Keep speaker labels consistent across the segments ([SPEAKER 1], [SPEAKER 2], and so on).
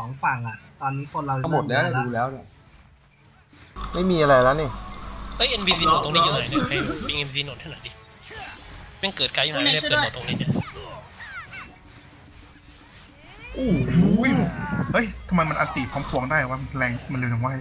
[SPEAKER 1] 2ฝั่งอ่ะตอนนี้คนเรา
[SPEAKER 2] หมดแล้วดูแล้วเนี่ยไม่มีอะไรแล้วนี่
[SPEAKER 3] เฮ้ย NPC โหนดตรงนี้อยู่ไหนเนี่ยให้ปิง NPC โหนดให้หน่อยดิแม่งเกิดไกลอยู่ไหนเนี่ยเปิดโหนดตรงนี้เนี่ย
[SPEAKER 4] โอ้โหเฮ้ยทำไมมันอันติพร้อมพวงได้วะมันแรงมันเร็วจังวะ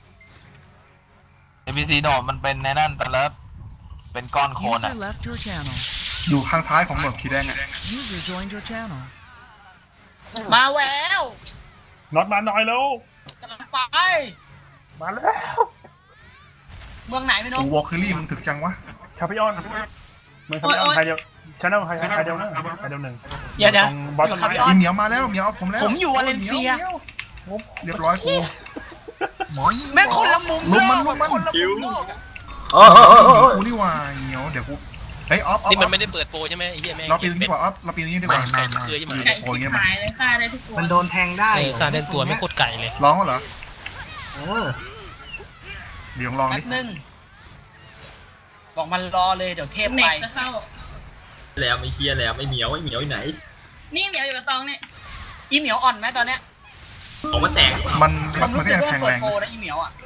[SPEAKER 5] NPC โหนดมันเป็นในนั่นแต่ละเป็นก้อนโคลน
[SPEAKER 6] User left your channel.
[SPEAKER 4] อยู่ข้างซ้ายของหนวดขีแดงอะ
[SPEAKER 6] User joined your channel.
[SPEAKER 7] มาแล้ว
[SPEAKER 8] น็อตมาหน่อยแล้ว
[SPEAKER 7] กำลังไป
[SPEAKER 8] มาแล้ว
[SPEAKER 7] เมืองไหนไม่รู้
[SPEAKER 4] โอ้วอลคิรี่มึงถึกจังวะ
[SPEAKER 8] ชาพิออนเมืองชาพิออนไทยเดียวชาแนลไทยเดียวนะไทยเดียวหนึ่ง
[SPEAKER 7] เดี๋ยว
[SPEAKER 8] ตรงบอสต้นไม้
[SPEAKER 4] อีเหมียวมาแล้วเหมียวเอาผมแล้ว
[SPEAKER 7] ผมอยู่วาเลนเซีย
[SPEAKER 4] เรียบร้อยกู
[SPEAKER 7] แม่งคนละมุม
[SPEAKER 4] ลุมมันลุมมัน
[SPEAKER 7] คนละมุมโลกอะ
[SPEAKER 4] กูนี่ว่าเหมียวเดี๋ยวกูเฮ้ยออฟ
[SPEAKER 3] นี่มันไม่ได้เปิดโปรใช่ไหมไอ้เหี้ยแม่ง
[SPEAKER 4] เราปีนนี้ดีกว่าออฟเราปีนนี้ดีกว่า
[SPEAKER 3] ไก่สักเกลือใช่ไหม
[SPEAKER 7] ไก่ชิบหายเลยฆ่าได้ทุกตัว
[SPEAKER 1] มันโดนแทงได้
[SPEAKER 3] ค่าเรื่องตัวไม่โคตรไก่เลย
[SPEAKER 4] ร้องเหรอ
[SPEAKER 1] เออ
[SPEAKER 4] เดี๋ยวลอง
[SPEAKER 7] แป๊
[SPEAKER 4] ดิ
[SPEAKER 7] บนึงบอกมันรอเลยเดี๋ยวเทพ
[SPEAKER 9] เน็
[SPEAKER 7] ไป
[SPEAKER 9] กจะเข้า
[SPEAKER 5] แล้วไม่เคลียร์แล้วไม่เหมียวอยู่ไหน
[SPEAKER 9] นี่เหมียวอยู่กับตองเนี่ย
[SPEAKER 7] อีเหมียวอ่อนไหมตอนเนี้ย
[SPEAKER 5] ออกมาแตก
[SPEAKER 4] มัน
[SPEAKER 7] ผม
[SPEAKER 4] มัน
[SPEAKER 7] รู้
[SPEAKER 4] ก็
[SPEAKER 7] สึก
[SPEAKER 4] ยัง
[SPEAKER 7] ว่า
[SPEAKER 4] แทง
[SPEAKER 7] เปิ
[SPEAKER 4] แร
[SPEAKER 7] ด
[SPEAKER 4] ง
[SPEAKER 7] โปรนะอีเหมียวอ่ะ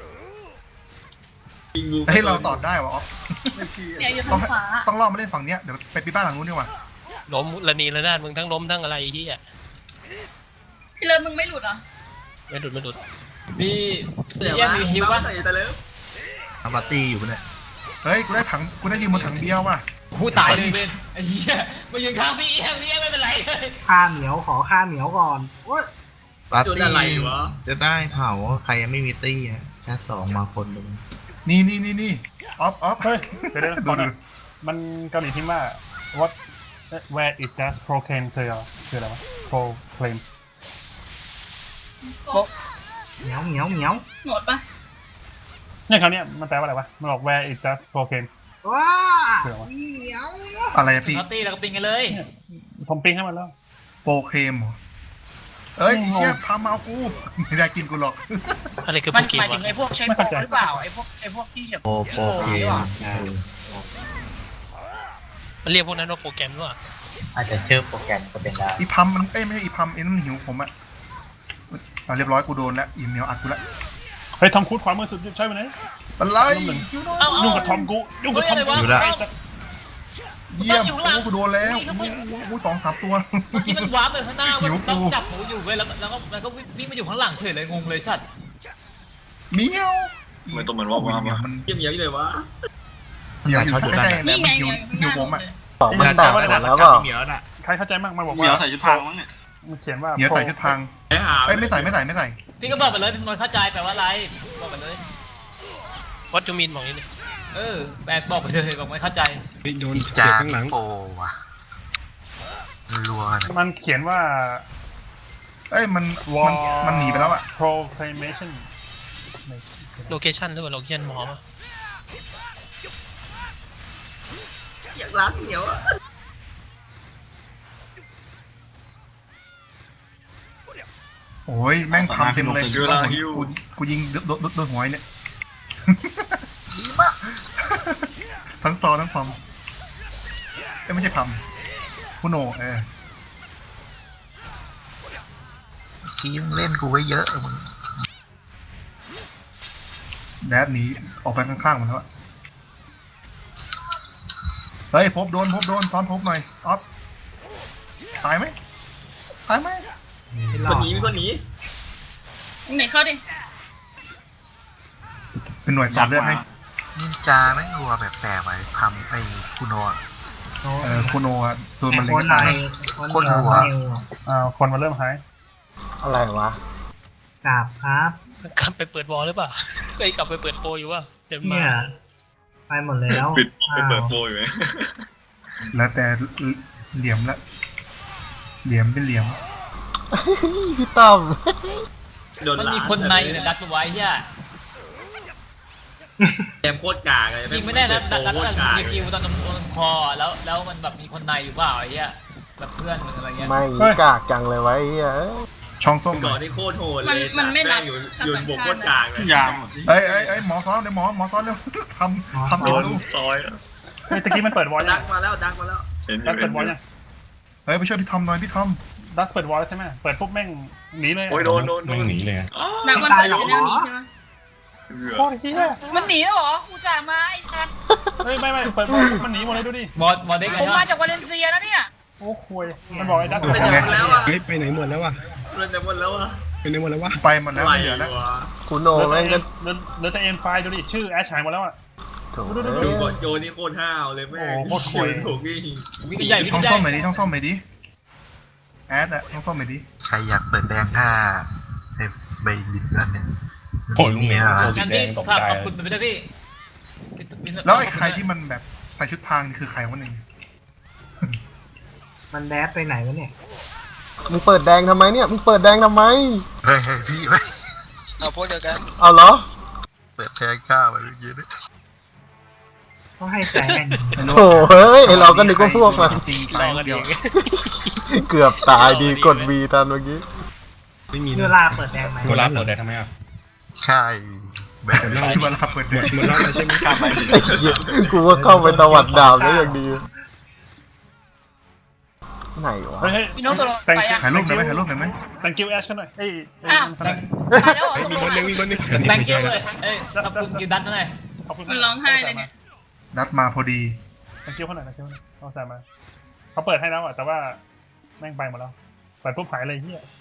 [SPEAKER 4] เฮ้ยเราตอดได้วะออฟ
[SPEAKER 9] เหมียวอยู่
[SPEAKER 4] ต้อ
[SPEAKER 9] ทาง งขวา
[SPEAKER 4] ต้องล่อมาเล่นฝั่งเนี้ยเดี๋ยวไปปีบ้านหลังนู้นดีกว่า
[SPEAKER 3] ล้มระนีระนาดมึงทั้งล้มทั้งอะไรไอ้เหี้ย
[SPEAKER 9] พี่เลิฟมึงไม่หลุดเหรอ
[SPEAKER 3] ไม่หลุดไม่หลุด
[SPEAKER 5] พี่แย่มีฮิวป่ะแต่เลิฟ
[SPEAKER 10] อาบาตี้อยู่เนี่ย
[SPEAKER 4] เฮ้ยกูได้ยืมบนถังเบียร์ว่ะ
[SPEAKER 5] ผู้ตายเลยเป็นไอ้เหี้ยมายืนข้างพี่เอี้ยไม่เป็นไรเลย
[SPEAKER 1] ฆ่าเหมียวขอฆ่าเหมียวก่อนโอ้ย
[SPEAKER 10] ปาร์ตี้จะได้เผาใครยังไม่มีตี้อะแชท2มาคนหนึ่ง
[SPEAKER 4] นี่ออฟ
[SPEAKER 8] เฮ้ยเดี๋ยว
[SPEAKER 4] ดูดู
[SPEAKER 8] มันเกาหลีพิมพ์ว่า what where it does proclaim คืออะไรวะ proclaim
[SPEAKER 1] เหมียวเหมียวเหมียว
[SPEAKER 9] หมดปะ
[SPEAKER 8] เนี่ยคราวเนี้ยมันแปลว่าอะไรวะมันบอก where it does proclaim
[SPEAKER 1] ว้า
[SPEAKER 8] เผื่อวะ
[SPEAKER 1] มีเหมียว
[SPEAKER 4] อะไรอะพี่
[SPEAKER 5] เขาตีแล้วก็ปิงกันเลย
[SPEAKER 8] ผมปิ้งให้มันแล้ว
[SPEAKER 4] โปรเคมเหรอเอ้ยไอ้เชี่ยพามาเอากูไม่ได้กินกูหรอก
[SPEAKER 3] อะไรคือ
[SPEAKER 7] มั
[SPEAKER 3] โป
[SPEAKER 7] น
[SPEAKER 3] รเก
[SPEAKER 7] ห
[SPEAKER 3] ม
[SPEAKER 7] มายถึ
[SPEAKER 3] วะ
[SPEAKER 7] งไอ้พวกใช้โปรหรือเปล่าไอ้พวกที่แบบ
[SPEAKER 10] โปรเกม
[SPEAKER 3] มันเรียกพวกนั้นว่าโปรแกรมหรือเปล่า
[SPEAKER 10] อาจจะชื่อโปรแกรมก็เป็นได้
[SPEAKER 4] อีพัมมันไม่ใช่อีพัมไอ้นั่นหิวผมอะเรียบร้อยกูโดนแล้วอีเหมียวอัดกูแล้ว
[SPEAKER 8] เฮ้ยทอมครูซขวามือสุดใช่ไหมเนี่ย
[SPEAKER 4] อะไร
[SPEAKER 8] ยุ่งกับทอมกูยุ่งกับทอมกู
[SPEAKER 10] อยู่แล้ว
[SPEAKER 4] เยี่ยมกูโดนแล้วกู2-3 ตัว
[SPEAKER 5] เมื่อกี้มันวาร์ปไปข้างหน้า
[SPEAKER 4] หิว
[SPEAKER 5] มันต้อ
[SPEAKER 4] กู
[SPEAKER 5] งจับหมูอยู่เว้ยแล้วก็วิ่งมาอยู่ข้างหลังเฉยเลยงงเลยสัตว์
[SPEAKER 4] เหมียว
[SPEAKER 5] ไม่ต้องมันว่า
[SPEAKER 4] เหมียวมัน
[SPEAKER 5] เยี่ยมเลยวะ
[SPEAKER 4] เหมียวอยู่ใกล้ๆ
[SPEAKER 9] นี่
[SPEAKER 4] เนี่ย
[SPEAKER 9] ไง
[SPEAKER 4] มัน
[SPEAKER 9] เหมี
[SPEAKER 4] หิ
[SPEAKER 9] ยว วอยู่
[SPEAKER 4] หิ
[SPEAKER 9] ข้างห
[SPEAKER 4] ว
[SPEAKER 9] น้า
[SPEAKER 4] ผม
[SPEAKER 9] หม
[SPEAKER 4] อะ
[SPEAKER 9] ดเลย
[SPEAKER 10] มันต่างกันแล้วก็เหมียวน่ะ
[SPEAKER 8] ใครเข้าใจมั่งมันบอก
[SPEAKER 5] เหมี
[SPEAKER 8] ว่า
[SPEAKER 5] ยวใส่ชุดพรางมั้งเนี่ย
[SPEAKER 8] มันเขียนว่า
[SPEAKER 4] เหมียวใส่ชุดพราง
[SPEAKER 5] ไปหา
[SPEAKER 4] เอ้ยไม่ใส่
[SPEAKER 5] พี่ก็บอกไปเลยพี่มนเข้าใจแปลว่าอะไรบอกไปเลย
[SPEAKER 3] วัดจูมินบอกนี่ดิ
[SPEAKER 5] แปลบอกไปเลยบอกไม่เข้าใจ
[SPEAKER 2] โดนเสียบข้างหลังโอ้ว่ะรัวนะ
[SPEAKER 8] มันเขียนว่า
[SPEAKER 4] เอ้ยมันหนีไปแล้วอะ
[SPEAKER 8] proclamation
[SPEAKER 3] โลเคชั่นหรือเปล่าโลเคชั่นหมอปะ
[SPEAKER 7] อยากรักเหมียวอะ
[SPEAKER 4] โอ้ยแม่งพัมเต็มเลยกูยิงโดนหัวเนี่ยดีมากทั้งซอทั้งพัมไม่ใช่พัมคุโน
[SPEAKER 10] ทีมเล่นกูไว้เยอะมึง
[SPEAKER 4] แดดหนีออกไปข้างๆมันแล้วเฮ้ยพบโดนซ้อนพบหน่อยออฟตายไหม
[SPEAKER 1] ไม่ร
[SPEAKER 5] ค
[SPEAKER 1] อน ด
[SPEAKER 5] นี้มีคนนี้
[SPEAKER 9] ไหนเข้าดิ
[SPEAKER 4] เป็นหน่วยต่อเลือดให้
[SPEAKER 10] นินจาแม่งรัวแบบแปลกไปทำไอ้คุโนะ
[SPEAKER 4] คุโนอะโดนมันเล็ง
[SPEAKER 1] คนไหน
[SPEAKER 4] ตาย
[SPEAKER 1] คนหัว
[SPEAKER 8] คนมาเริ่มหาย
[SPEAKER 2] อะไรวะ
[SPEAKER 1] กราบครับ
[SPEAKER 3] กลับไปเปิดวอลหรือเปล่าเคยกลับไปเปิดโปรอยู่ว่าเดี๋ยวมา
[SPEAKER 1] เนี่ยไปหมดแล้ว
[SPEAKER 5] ไปเปิดโปรอยู่ไหม
[SPEAKER 4] แล้วแต่เหลี่ยมละเหลี่ยมเป็นเหลี่ยม
[SPEAKER 2] พี่ต้อม
[SPEAKER 5] มันมีคนในดักไว้ใช่แกมโคตรกากเลยยิงไม่ได้นะดักยิงตอนคอแล้วมันแบบมีคนในอยู่เปล่าไอ้เหี้ยแบบเพื่อนมันอะไรเงี้ย
[SPEAKER 2] ไม่กากจังเลยไว้เอ้ย
[SPEAKER 4] ช่องส้มห
[SPEAKER 5] ก่
[SPEAKER 4] น่
[SPEAKER 5] อ
[SPEAKER 4] อน ย
[SPEAKER 5] ที่โคตรโหดเลย
[SPEAKER 9] มันไม่รับ
[SPEAKER 5] อยู่
[SPEAKER 9] ชาว
[SPEAKER 5] อยู่
[SPEAKER 9] ต่าง
[SPEAKER 5] บวก
[SPEAKER 9] ชา
[SPEAKER 5] โค
[SPEAKER 9] ติ
[SPEAKER 5] ตรกากเลย
[SPEAKER 8] ยาม
[SPEAKER 4] เอ้ยหมอซ้อนเดี๋ยวหมอซ้อนเร็วทำติดรู
[SPEAKER 5] ซอย
[SPEAKER 8] เฮ้ยตะกี้มันเปิดวอล
[SPEAKER 5] ดักมาแล้วดักมาแล้ว
[SPEAKER 8] ดักเปิดวอลยัง
[SPEAKER 4] เฮ้ยไปช่วยพี่ทอมหน่อยพี่ทอม
[SPEAKER 8] ดักเปิดวอลใช่ไหมเปิดปุ๊บแม่งหนีเลย
[SPEAKER 11] โอ้ยโดนหนีเลย
[SPEAKER 9] นักมันเปิดชแนลนี้ใช่ไหม
[SPEAKER 8] โคตรเฮีย
[SPEAKER 7] มันหนีแล้วเหรอกูจ่ามาไอ้ชัน
[SPEAKER 8] เฮ้ยไม่เปิดมันหนีหมดเลยดูดิ
[SPEAKER 5] บอลเด็กไง
[SPEAKER 7] ผม
[SPEAKER 5] ใช่
[SPEAKER 7] มา
[SPEAKER 5] ปะ
[SPEAKER 7] จากวาเลนเซียนะเนี่ย
[SPEAKER 8] โอ้คุยมันบอกไอ้ดัก
[SPEAKER 4] ไปไหนหมดแล้วอ่ะ
[SPEAKER 11] เฮ้ยไปไหนหมดแล้ววะ
[SPEAKER 2] เราจะหมดแล้วอ่ะ
[SPEAKER 11] ไปไหนหมดแล้ววะ
[SPEAKER 4] ไปหมดแล้วไม่เหลือแล้ว
[SPEAKER 12] คุณโหนแม่งก็
[SPEAKER 8] เหลือแต่เอ็นไฟดูดิชื่อแอชหายหมดแล้วอ่ะ
[SPEAKER 12] โถ
[SPEAKER 11] โจนี่โคตรห้าวเลยแม่
[SPEAKER 8] โอ้โคตรคุย
[SPEAKER 11] ถูกนี่
[SPEAKER 5] วิ่งใหญ่วิ่
[SPEAKER 4] ช่อง
[SPEAKER 5] งใหญ่
[SPEAKER 4] ส้มไหนดิช่องส้มไหนดิแอดอะช่องส้มไหนดิ
[SPEAKER 2] ใครอยากเปิดแดงถ้าใบบินกันเนี่ย
[SPEAKER 11] โอ้ยลุงเมียตัวสี
[SPEAKER 5] งั้น
[SPEAKER 11] แด
[SPEAKER 5] พี่
[SPEAKER 11] งตก
[SPEAKER 5] ครับ
[SPEAKER 11] ใจ
[SPEAKER 5] ขอบคุณไปด้วยพี่
[SPEAKER 4] แล้วไอ้ใครที่มันแบบใส่ชุดพรางนี่คือใครวะเนี่ย
[SPEAKER 1] มันแดดไปไหนวะเนี่ย
[SPEAKER 12] มึงเปิดแดงทำไมเนี่ยมึงเปิดแดงทำไม
[SPEAKER 2] เฮ้ยพี่ไว้
[SPEAKER 3] เราพูดเดียวกัน
[SPEAKER 12] เอาเหรอ
[SPEAKER 2] เปิดแทงข้าวไปเมื่อกี้ด้วย
[SPEAKER 1] ต้องให้แสง
[SPEAKER 12] โถเฮ้ยไอเราก็นึกว่าพวกมัน
[SPEAKER 4] ตีไปเดียว
[SPEAKER 12] เกือบตายดีกดวีตอนเมื่อกี้
[SPEAKER 11] ไม่มี
[SPEAKER 1] เวลาเปิดแดงไหม
[SPEAKER 11] เวลาเปิดได้ทำไมอ่ะ
[SPEAKER 2] ใช่แบบ
[SPEAKER 4] ที่เวลาเปิดแดง
[SPEAKER 11] หมดแล้วใช่ไหมครับ
[SPEAKER 12] ไอ้เหี้ยกูว่าเข้าไปตวัดดาวได้อย่างดีไหนวะ
[SPEAKER 8] เฮ้ย
[SPEAKER 7] พี่น้องตัวลง
[SPEAKER 8] แต่ง
[SPEAKER 7] ไปอ่ะ
[SPEAKER 4] ถ่ายรูปหน่อยไหมถ่ายรูปหน่อยไหม
[SPEAKER 8] แต่งคิวแอชกันหน่อยเอ้ย
[SPEAKER 7] อ้าว
[SPEAKER 8] ทนาย
[SPEAKER 7] ตายแล้วเหรอ
[SPEAKER 11] มี
[SPEAKER 7] ตก
[SPEAKER 11] ค
[SPEAKER 7] ล
[SPEAKER 11] น
[SPEAKER 7] ง
[SPEAKER 11] นึงมีคนนึง
[SPEAKER 5] แตงกิ้วเลยเอ้ยขอบคุณกิวดัตหน่อย
[SPEAKER 8] ขอบคุณ
[SPEAKER 9] มันร้องไห้เลยเนี่ย
[SPEAKER 4] นัดมาพอดี
[SPEAKER 8] แต่งคิวเขาหน่อยนะคิวเขาใส่มาเขาเปิดให้แล้วอ่ะแต่ว่าแม่งไปหมดแล้วเปิดปุ๊บหายเลยเฮีย